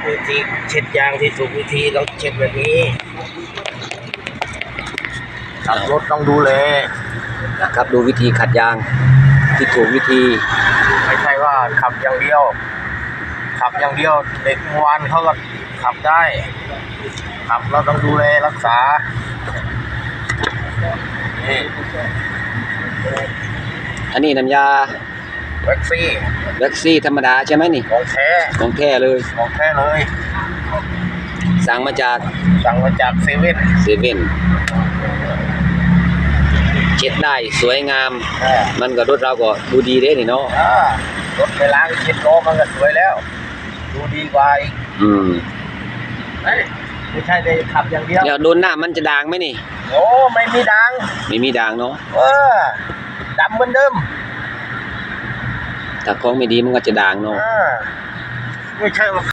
วิธีเช็ดยางที่ถูกวิธีต้องเช็ดแบบนี้ขับรถต้องดูแลนะครับดูวิธีขัดยางที่ถูกวิธีไม่ใช่ว่าขับอย่างเดียวเด็กเมื่อวานเขาก็ขับได้ขับเราต้องดูแลรักษานี่อันนี้น้ำยาแว็กซี่ธรรมดาใช่ไหมนี่ของแท้เลยสั่งมาจากเซเว่นเช็ดได้สวยงามมันก็รถเราก็ดูดีเด้นี่เนาะรถไปล้างเช็ดล้อมันก็สวยแล้วดูดีกว่าอีกไม่ใช่ได้ขับอย่างเดียวแล้วโดนหน้ามันจะด่างไหมนี่โอ้ไม่มีด่างเนาะดำเหมือนเดิมถ้าของไม่ดีมันก็จะด่างเนาะไม่ใช่ว่า